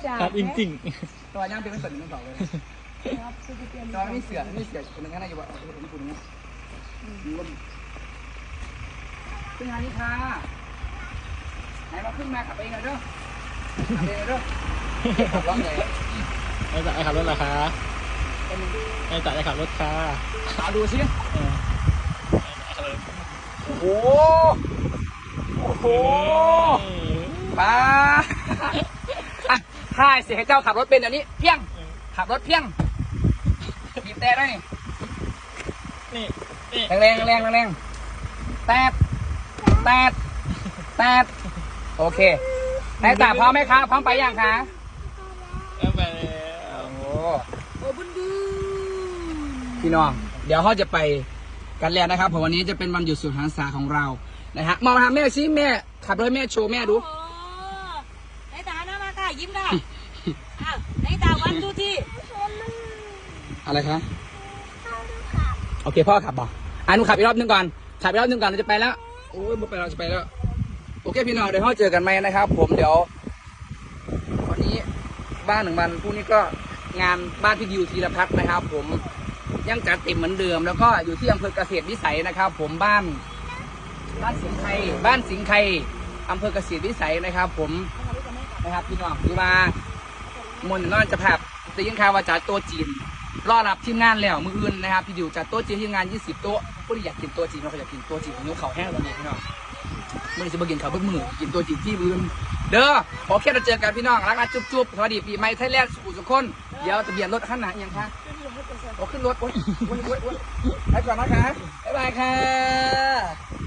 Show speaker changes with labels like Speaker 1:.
Speaker 1: ครับจริง
Speaker 2: ตัวย่างเป็นไม่สนมันต่อเลยตัวไม่เสือคนนึงแค่ไหนอยู่ว่าผมคุณเนี่ยขึ้นงานนี้ค่ะไหนมาขึ้นมาขับเองเลยเด้อขับเองเลยเด้อขับร้องเลย
Speaker 1: ๆไอ้จ่ายขับรถเหรอคะไอ้จ่ายขับรถค่ะ
Speaker 2: เอาดูสิโอ้โหโอ้โหป้าถ้าเสียให้เจ้าขับรถเป็นอย่างนี้เพี้ยงขับรถเพี้ยงบีบแต่ได้
Speaker 1: นี่
Speaker 2: แรงแตดโอเคนายตาพร้อมไหมคะพร้อมไปยังคะ
Speaker 1: ไปแล้ว
Speaker 2: โอ้บุญบูพี่น้องเดี๋ยวเขาจะไปกันแล้วนะครับเพราะวันนี้จะเป็นวันหยุดสุดหันษาของเรานะฮะมองมาหาแม่ซิแม่ขับรถแม่โชว์แม่ดู
Speaker 3: นายตาหน้ามาค่ะยิ้มค่ะอ้าวนายตาวันดูที่
Speaker 2: อะไรคะโอเคพ่อขับบ่หนูขับอีกรอบนึงก่อนขับอีกรอบนึงก่อนเราจะไปแล้วโอ้ยไม่ไปเราจะไปแล้วโอเคพี่น้องเดี๋ยวเราเจอกันไหมนะครับผมเดี๋ยววันนี้บ้านหนึ่งวันพรุ่งนี้ก็งานบ้านพี่ดิวธีรพัฒน์นะครับผมยังจัดเต็มเหมือนเดิมแล้วก็อยู่ที่อำเภอเกษตรวิสัยนะครับผมบ้านสิงห์ไคอำเภอเกษตรวิสัยนะครับผมนะครับพี่น้องคือว่ามนนอนจะแบบจะยิ่งข่าวว่าจัดโต๊ะจีนรอรับทีมงานแล้วมืออื่นนะครับพี่ดิวจัดโต๊ะจีนทีมงาน20 โต๊ะผู้ที่อยากกินโต๊ะจีนเราก็อยากกินโต๊ะจีนของนิ้วเขาแห้งแบบนี้พี่น้องมื่อนี้จะมากินข้าวเบิ้งมือกินโต๊ะจีนที่มือเด้อโอเคเราเจอกันพี่น้องรักนะจุ๊บสวัสดีปีใหม่ไทยแลนด์สุขคนเดี๋ยวทะเบียนรถข้างหน้ายังคะโอ้ขึ้นรถโอ้ยไปก่อนนะคะบ๊ายบายค่ะ